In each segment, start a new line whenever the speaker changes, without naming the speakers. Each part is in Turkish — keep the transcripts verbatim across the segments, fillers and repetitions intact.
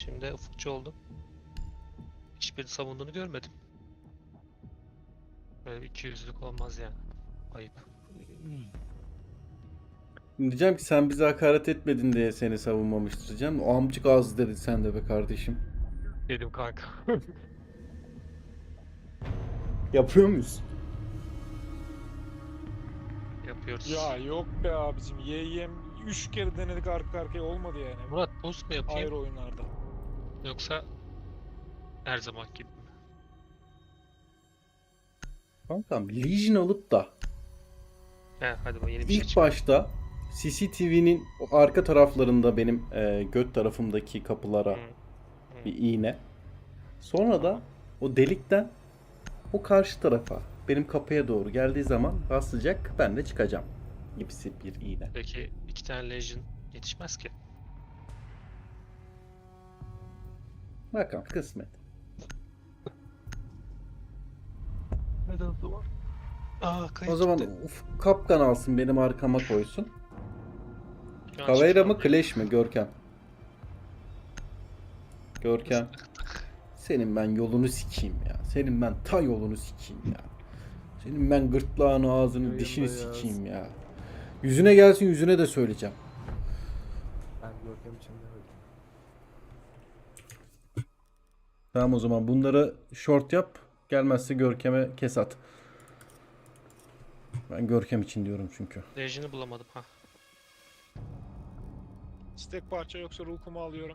Şimdi ufukçu oldum. Hiçbiri savunduğunu görmedim. Böyle bir ikiyüzlülük olmaz yani. Ayıp.
Diyeceğim ki sen bize hakaret etmedin diye seni savunmamıştır diyeceğim. O amcık ağzı dedi sen de be kardeşim.
Dedim kanka.
Yapıyor muyuz?
Yapıyoruz.
Ya yok be abicim. Y Y M üç kere denedik arka arkaya olmadı yani.
Murat boost mu yapayım
Ayrı oyunlarda.
yoksa her zaman gibi mi?
Kankam Legion alıp da
He hadi bu yeni bir şey
ilk
çıktı.
başta C C T V'nin o arka taraflarında benim e, göt tarafımdaki kapılara
Hı.
bir iğne. Sonra da o delikten o karşı tarafa benim kapıya doğru geldiği zaman basacak, ben de çıkacağım gibisi bir iğne.
Peki iki tane Legion yetişmez ki.
Bakalım kısmet.
Hadi o zaman. Aa kayıt
O zaman
gitti.
uf, kapkan alsın benim arkama koysun.
Şu an
Kaveyra mı
şifre
Clash mi Görkem? Görkem. Senin ben yolunu sikeyim ya. Senin ben ta yolunu sikeyim ya. Senin ben gırtlağını, ağzını,
Yayında
dişini
yaz.
sikeyim ya. Yüzüne gelsin, yüzüne de söyleyeceğim.
Ben Görkem için demedim.
Tamam o zaman bunları short yap. Gelmezse Görkem'e kes at. Ben Görkem için diyorum çünkü.
Legion'ı bulamadım ha.
Stek parça yoksa ruhumu alıyorum.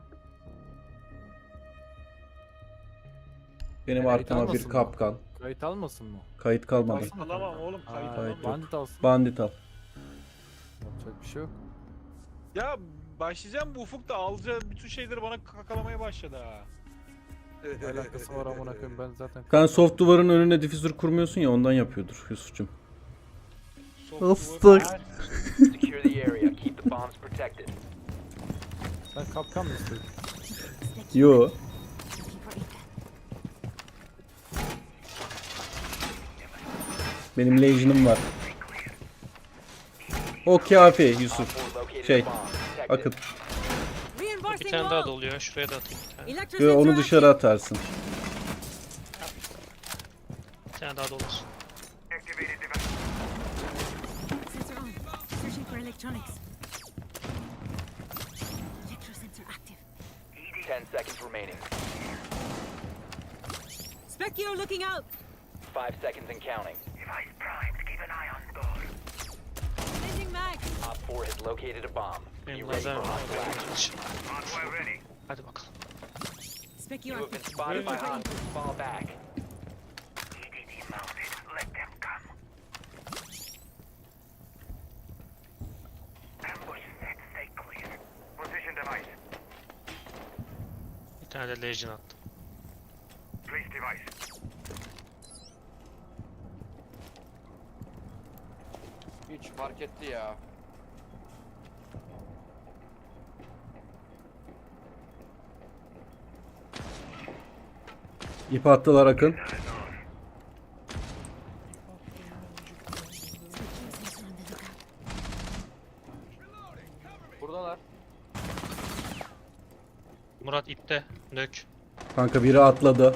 Benim
Kayıt
arkama bir
almasın mı?
kapkan.
Kayıt almasın mı?
Kayıt kalmadı.
Alsın mı
Alamam
kanka?
oğlum, kayıt
Aa,
alamam.
Bandit alsın.
Bandit al.
Yapacak bir şey yok.
Ya başlayacağım bu ufuk da alacağı bütün şeyleri bana kakalamaya başladı ha.
Ne alakası var amına koyayım, ben zaten...
Sen soft duvarın önüne difüzör kurmuyorsun ya, ondan yapıyordur Yusuf'cum.
Soft
Islık.
duvar-
Secure the area. Keep the bombs protected.
Sen kapkan mı istedin?
Yo. Benim Legion'ım var. O kafi Yusuf.
Op four located
Şey,
a bomb. Protect it.
Akıt.
Bir
Reinforcing
tane daha
wall.
doluyor. Şuraya da atayım bir tane.
Ve
Electrosensor
onu dışarı
active.
atarsın.
Bir tane daha dolasın.
Sensor on. Searching for electronics. Electrosensor active.
Ten seconds remaining.
Specchio looking out.
Five seconds and counting.
Changing mag.
Op four has located a bomb. Be
Benim
ready
lazer
for
var.
hostile action.
Hadi bakalım.
Specchio
You have been
active.
spotted by
Looking for
hostiles. Fall back.
Bir tane de Legion attım.
Hiç fark etti ya.
İp attılar Akın.
Specchio sensor on the lookout.
Buradalar.
Murat ipte. Nök.
Kanka biri atladı.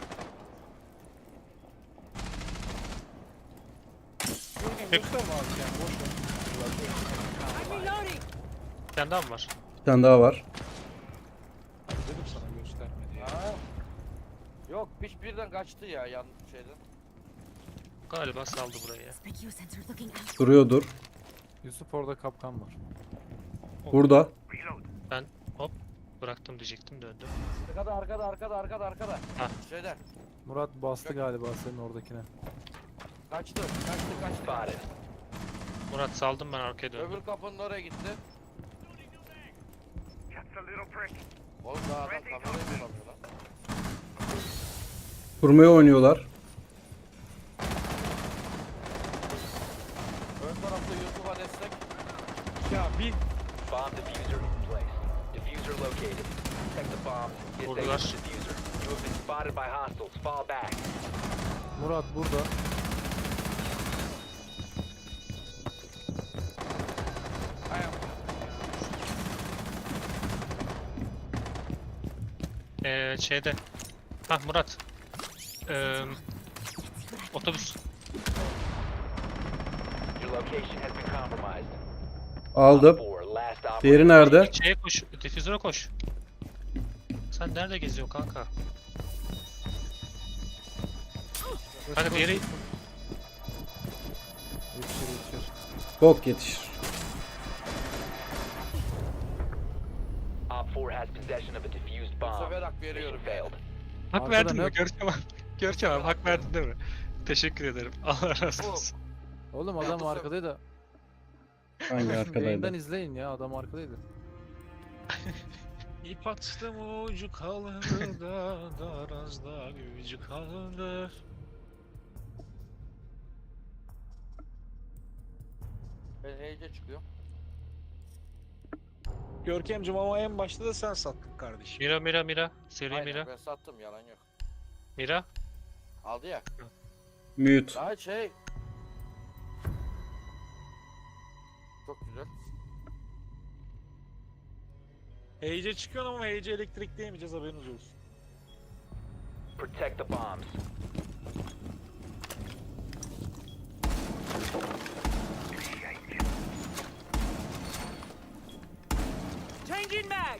Gösterme abi yani boş ver.
I'm reloading.
Bir tane daha mı var?
Bir tane daha var.
Dedim sana gösterme diye.
Ha? Yok hiçbirden kaçtı ya yan şeyden.
Galiba saldı burayı ya.
Specchio sensor looking out.
Duruyordur.
Yusuf orada kapkan var.
Burada.
Ben hop bıraktım diyecektim döndüm.
Arkada arkada arkada arkada arkada.
Ha.
Şeyden.
Murat bastı galiba senin oradakine.
Kaçtı kaçtı kaçtı.
Spotted.
Murat saldım ben arkaya döndüm.
Öbür kapının oraya gitti. Oğlum daha adam kamerayı bulamıyor lan.
Kurmaya oynuyorlar.
Ön tarafta Yusuf'a destek.
Ya bir
Bomb diffuser in place. Diffuser located. Protect the bomb. Disable
Vurdular.
the diffuser. You have been spotted by hostiles. Fall back.
Murat burada.
Ee, şeyde. Hah Murat. Ee, otobüs.
Your location has been compromised.
Aldım.
Four, last operator.
Diğeri nerede?
Şeye koş. Difüzöre koş. Sen nerede geziyorsun kanka? Kanka diğeri...
Yetişir yetişir.
Bok yetişir.
Op four has possession of a defused
Bu
bomb.
sefer hak veriyorum.
Mission failed.
Hak
Arkada
verdin
ne-
mi? Görkem abi. Görkem abi hak verdin değil mi? Teşekkür ederim. Allah razı olsun.
Oğlum adam
bu sefer-
arkadaydı.
Hangi
Yayından
arkadaydı?
izleyin ya, adam arkadaydı.
İp attım ucu kaldı da darazda gücü kaldı.
Ben heyece çıkıyorum.
Görkemciğim ama en başta da sen sattın kardeşim.
Mira Mira Mira. Seri
Aynen,
Mira.
ben sattım, yalan yok.
Mira.
Aldı ya.
Mute.
Daha şey. Çok güzel.
Heyece çıkıyorsun ama heyece elektrik diyemeyeceğiz, haberiniz olsun.
Protect the bombs.
Changing mag.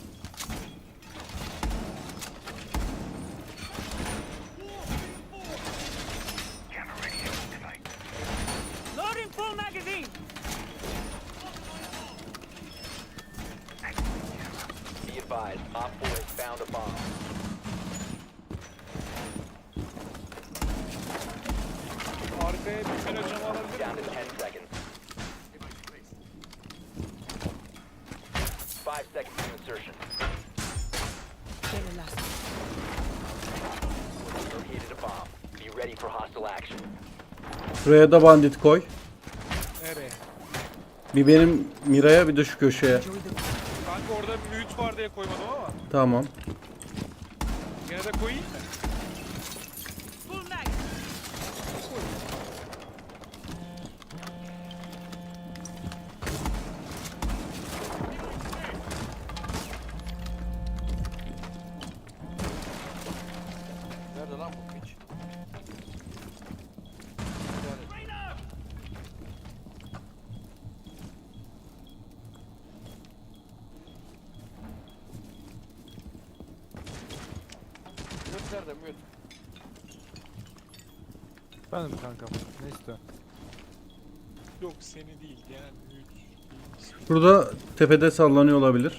Loading full magazine.
Be advised, Op four has found a bomb.
Arkaya bir kere cam alabilir
Down to
miyim?
ten seconds. Five seconds to insertion.
Very last.
Located a bomb. Be ready for hostile action.
Şuraya da bandit koy.
Nereye?
Bir benim Mira'ya bir de şu köşeye.
Enjoy the
Kanka orada mute var diye koymadım ama.
Tamam.
Gene de koyayım mı?
full mag.
Nerede lan bu piç? Mute nerede mute?
Benim kankam. Ne istiyorsun?
Yok seni değil, genel mute.
Burada tepede sallanıyor olabilir.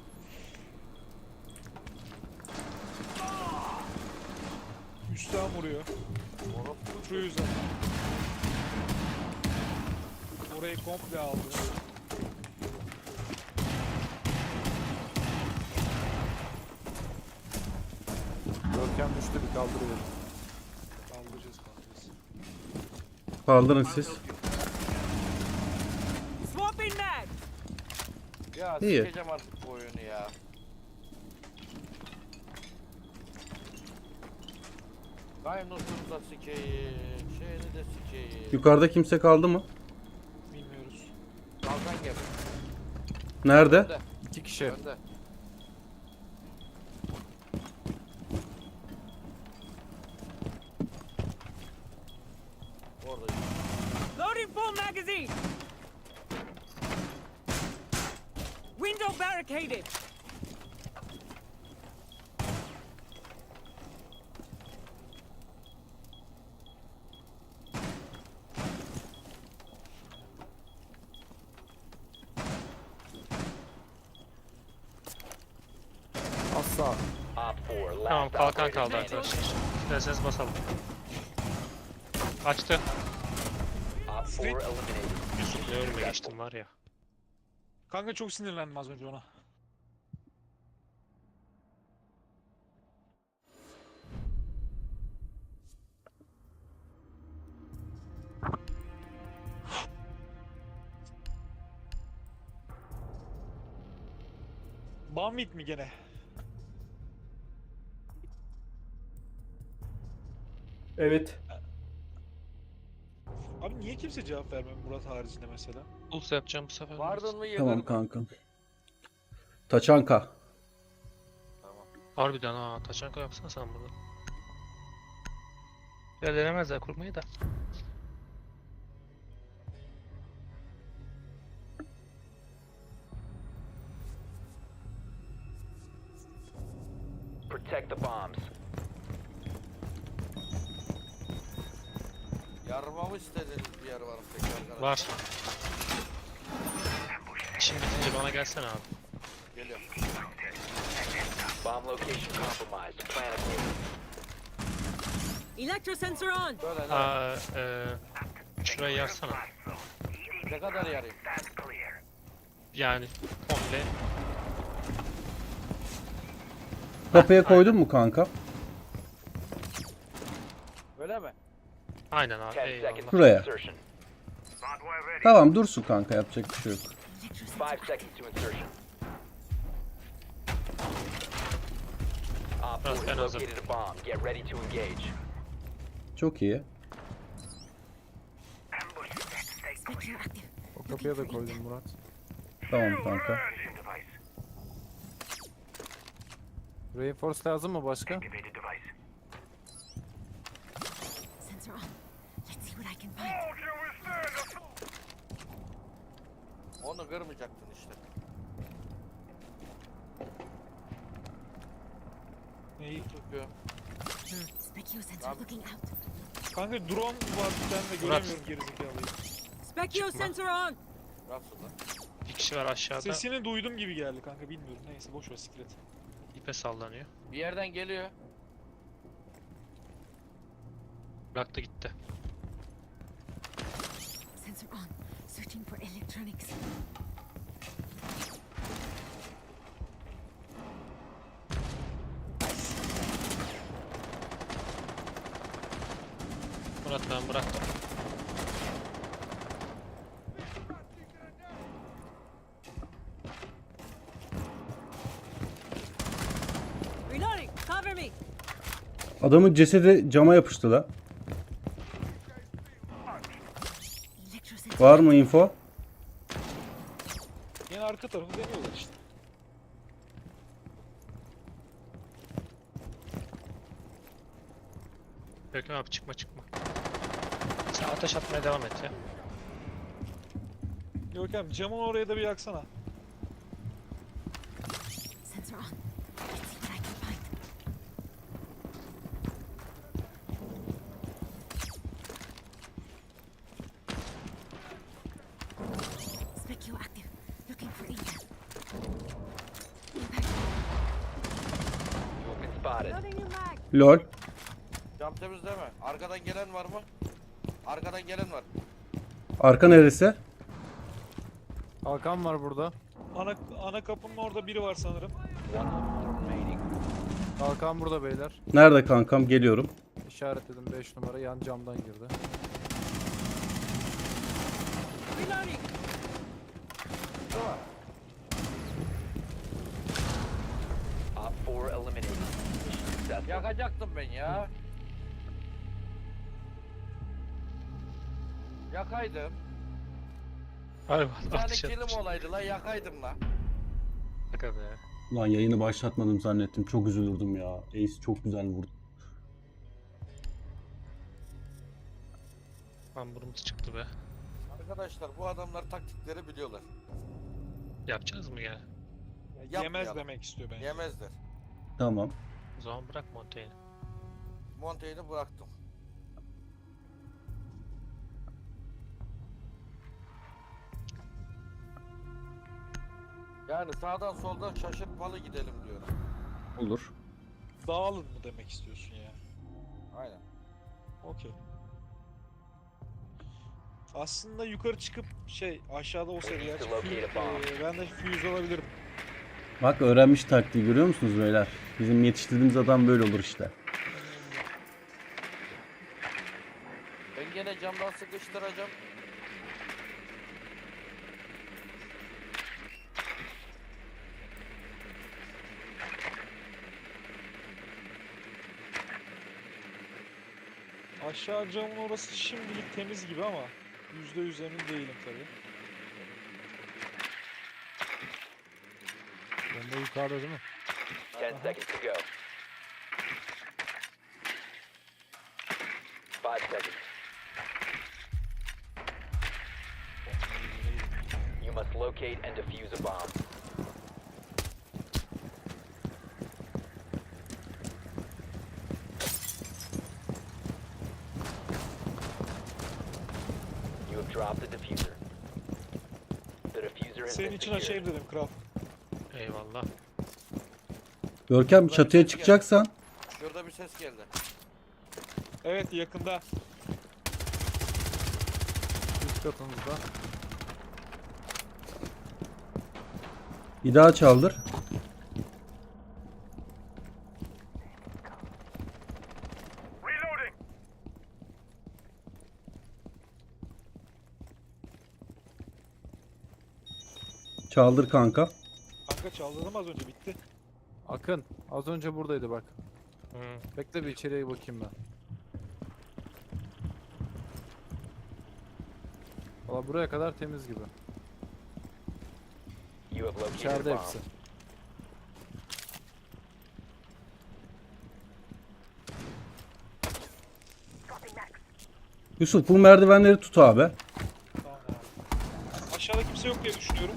Üstten vuruyor. Şu yüzden. Orayı komple aldı.
Görkem düştü, bir kaldırıyor.
Kaldıracağız kaldıracağız.
Kaldırın siz.
Swapping mag.
Ya
İyi.
sikeceğim artık bu oyunu ya. Dinosaur'u da sikeyim, şeyini de sikeyim.
Yukarıda kimse kaldı mı?
Bilmiyoruz.
Kalkan gel.
Nerede?
Önde,
İki kişi.
önde. Orada.
Loading full magazine. Window barricaded.
Asla.
Op four, last
Tamam kalkan
operator
kaldı
standing.
arkadaşlar. İsterseniz basalım. Açtı.
Op four eliminated.
Yusuf ne önüme geçtim var ya.
Kanka çok sinirlendim az önce ona. Bamit mi gene?
Evet.
Abi niye kimse cevap vermiyor Murat haricinde mesela?
Puls yapacağım bu sefer.
Vardın mı yedin
Tamam
mi?
kankam. Taçanka.
Tamam.
Harbiden ha. Taşanka yapsana sen bunu. Ya denemezler kurmayı da.
Protect the bombs.
Yarmamı istediğiniz bir yer var mı peki arkadaşlar?
Var. Şimdi bitince bana gelsene abi.
Geliyorum.
Bomb location compromised. Plan accordingly.
Electro sensor on.
Böyle lan.
Aa, e, şurayı yaksana.
Ne kadar yarayım?
Yani komple.
Kapıya koydun mu kanka?
Öyle mi?
Aynen abi.
Ten
Eyvallah.
seconds to
Buraya.
insertion.
Tamam dursun kanka, yapacak bir şey yok.
Five seconds to insertion. Op
Biraz
four
ben
has
hazır.
located a bomb. Get ready to engage.
Çok iyi.
Spectre active.
O kapıya da koydum Murat.
Tamam kanka.
Reinforce lazım mı başka?
Sensor on. Let's see what I can find.
Onu kırmayacaktın işte.
Neyi?
Tutuyorum.
Specchio sensor looking out.
Kanka drone var bir tane de
Murat.
göremiyorum gerizekalıyı.
Specchio
Çıkma.
sensor on.
Nasıl lan?
Bir kişi var aşağıda.
Sesini duydum gibi geldi kanka bilmiyorum. Neyse boş ver siklet.
İpe sallanıyor.
Bir yerden geliyor.
Bıraktı gitti.
Sensor on. Searching for electronics.
Murat ben bıraktım.
Reloading. Cover me.
Adamın cesedi cama yapıştı da.
Electro sensor.
Var mı info?
Yine arka tarafı deniyorlar işte.
Görkem abi çıkma çıkma. Sen ateş atmaya devam et ya.
Görkem camın oraya da bir yaksana.
Sensor on. Let's see what I can find. Specchio active. Looking for intel. Impact.
Movement spotted.
Loading new mag.
Lol.
Cam temizleme. Arkadan gelen var mı? Arkadan gelen var.
Arka neresi?
Hakan var burada.
Ana ana kapının orada biri var sanırım.
One op four remaining.
Hakan burada beyler.
Nerede kankam? Geliyorum.
İşaretledim beş numara yan camdan girdi.
Reloading.
Op four eliminated. Mission successful.
Yakacaktım ben ya. Yakaydım.
Harbi
Bir tane
ateş
kilim
atmış.
olaydı la yakaydım la.
Şaka be.
Lan yayını başlatmadım zannettim. Çok üzülürdüm ya. Ace çok güzel vurdu.
Hamburumuz çıktı be.
Arkadaşlar bu adamlar taktikleri biliyorlar.
Yapacağız mı ya?
Ya
Yapmayalım.
yemez demek istiyor bence.
Yemezler.
Tamam.
O zaman bırak Montaigne'i.
Montaigne'i bıraktım. Yani sağdan soldan şaşırtmalı gidelim diyorum.
Olur.
Dağılın mı demek istiyorsun ya?
Aynen.
Okey. Aslında yukarı çıkıp şey aşağıda o seri gerçi fuse- eee, ben de fuse alabilirim.
Bak öğrenmiş taktiği, görüyor musunuz beyler? Bizim yetiştirdiğimiz adam böyle olur işte.
Ben gene camdan sıkıştıracağım.
Aşağı camın orası şimdilik temiz gibi ama yüzde yüz emin değilim tabii.
Bomba yukarıda değil mi?
galiba.
Ten seconds to go. Five seconds. You must locate and defuse a bomb. You have dropped the diffuser. The diffuser has
Senin
been
için
secured.
açayım dedim kral.
Eyvallah.
Görkem çatıya çıkacaksan
Şurada bir ses geldi.
Evet yakında.
Üst katımızda.
bir daha çaldır. Çaldır kanka.
Kanka çaldırdım az önce bitti.
Akın az önce buradaydı bak.
Hı.
Bekle bir içeriye bakayım ben. Valla buraya kadar temiz gibi.
You have located a
İçeride
bomb.
hepsi.
Yusuf bu merdivenleri tut abi.
Tamam abi. Aşağıda kimse yok diye düşünüyorum.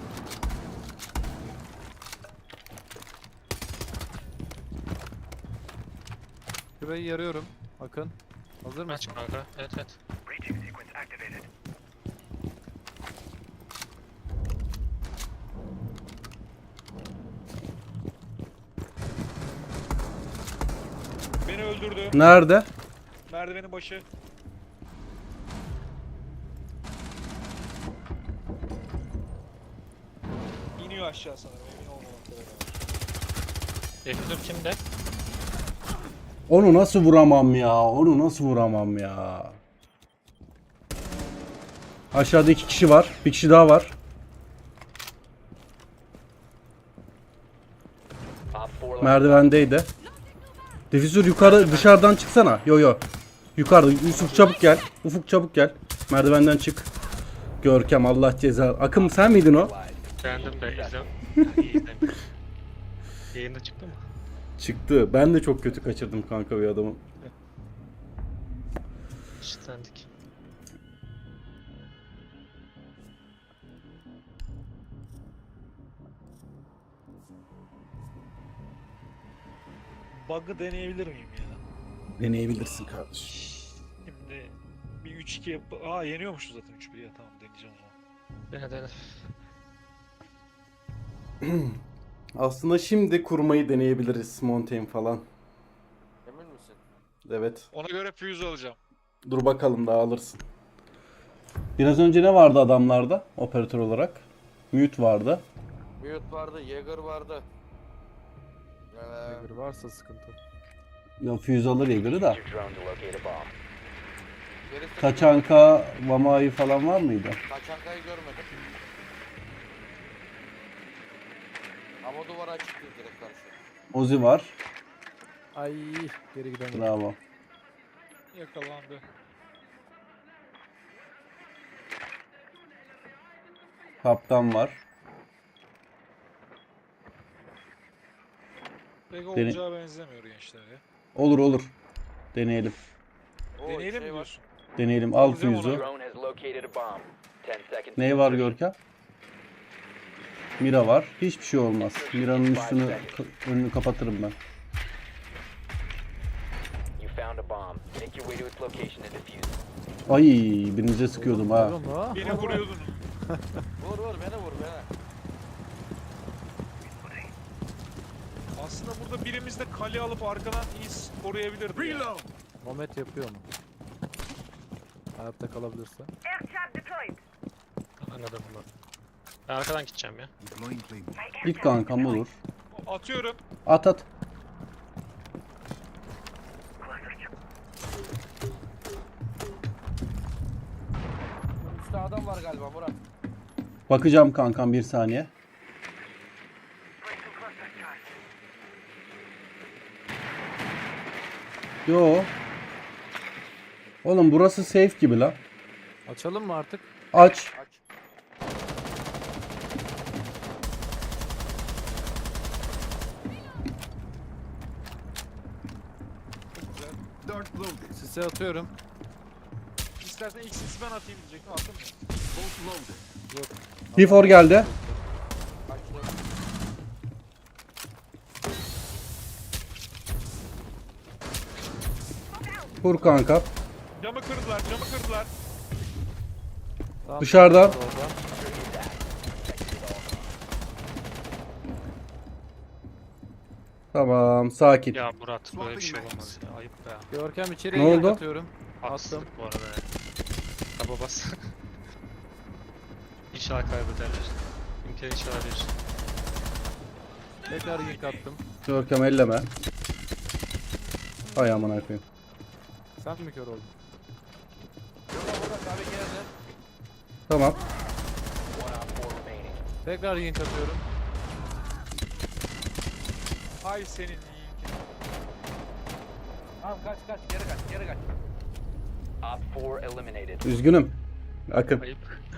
Şurayı yarıyorum. Akın. Hazır
Aç
mısın?
kanka. Evet evet.
Beni öldürdü.
Nerede?
Merdivenin başı. İniyor aşağı sanırım emin olmamakla beraber.
Defizör kimde?
Onu nasıl vuramam ya? Onu nasıl vuramam ya? Aşağıda iki kişi var. Bir kişi daha var.
Op four last
Merdivendeydi. Difüzör yukarı dışarıdan çıksana. Yo yo. Yukarıda. Yusuf çabuk gel. Ufuk çabuk gel. Merdivenden çık. Görkem Allah ceza. Akım sen miydin o?
Beğendim de izlem. İyi izledim. Yayında çıktı mı?
Çıktı. Ben de çok kötü kaçırdım kanka bir adamı.
Şitlendik.
Bug'ı deneyebilir miyim ya?
Deneyebilirsin kardeşim.
Şimdi bir üç iki yap... Aa yeniyormuşuz zaten üç bir ya tamam deneyeceğim o zaman.
Dene dene.
Aslında şimdi kurmayı deneyebiliriz. Montaigne falan.
Emin misin?
Evet.
Ona göre fuse alacağım.
Dur bakalım daha alırsın. Biraz önce ne vardı adamlarda operatör olarak? Mute vardı.
Mute vardı, Jäger vardı. Ee,
Eğer varsa sıkıntı.
Ya fuse alır ya göre de.
Use your drone to locate a bomb.
gerisi-
Taçanka, Vamai falan var mıydı?
Taçanka'yı görmedim. Ama duvar açıktı direkt karşı.
Ozi var.
Ay geri gidemedim.
Bravo.
Yakalandı.
Kaptan var.
Pek
Dene-
olacağı benzemiyor gençler ya.
Olur olur. Deneyelim.
Oo,
Deneyelim mi
şey var.
diyorsun?
Deneyelim. Al
Alacağım
fuse'u.
onu.
Drone has located a bomb. Ten seconds.
Ne var Görkem? Mira var. Hiçbir şey olmaz. Mira'nın üstünü ka- önünü kapatırım ben.
You found a bomb. Make your way to its location and defuse it.
Ay birinize sıkıyordum ha.
Oğlum, ha?
Beni vuruyordun.
Vur vur beni vur beni.
Aslında burada birimiz de kale alıp arkadan iyi koruyabilirdi. ya.
Momet yapıyor mu? Hayatta kalabilirse.
Anladım bunu. Ben arkadan gideceğim ya.
Git kankam olur.
Atıyorum.
At at.
Üstte adam var galiba Murat.
Bakacağım kankam bir saniye. Yo. Oğlum burası safe gibi la.
Açalım mı artık?
Aç.
Aç.
Sise atıyorum.
İstersen ilk sisi ben atayım diyecektim. Attın mı?
Yok.
T four geldi. Vur kanka.
Camı kırdılar, camı kırdılar.
Tamam,
Dışarıda.
orada.
Tamam, sakin.
Ya Murat böyle bir şey olamaz ya. Ayıp be.
Görkem içeriye
Ne
gank
oldu?
atıyorum. Attım.
Haksızlık bu arada ya. Taba bas. İnşallah kaybederler. İmkanı inşallah verir.
Tekrar gank attım.
Görkem elleme. Ay aman koyayım.
Sen mi kör oldun?
Burada burada kahve geldi.
Tamam.
One op four remaining.
Tekrar gank atıyorum.
Hay senin iyi.
Tamam kaç kaç geri kaç geri kaç.
Op four eliminated.
Üzgünüm. Akın.
Ayıp.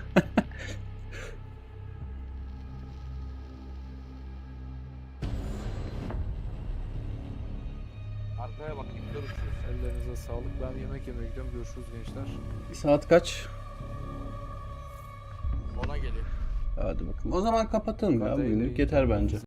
Arkaya bak gidiyoruz.
Ellerinize sağlık. Ben yemek yemeye gidiyorum. Görüşürüz gençler.
Saat kaç?
Ona geliyor.
Hadi bakalım. O zaman kapatalım ya.
Hadi,
Bugünlük
iyi.
yeter bence.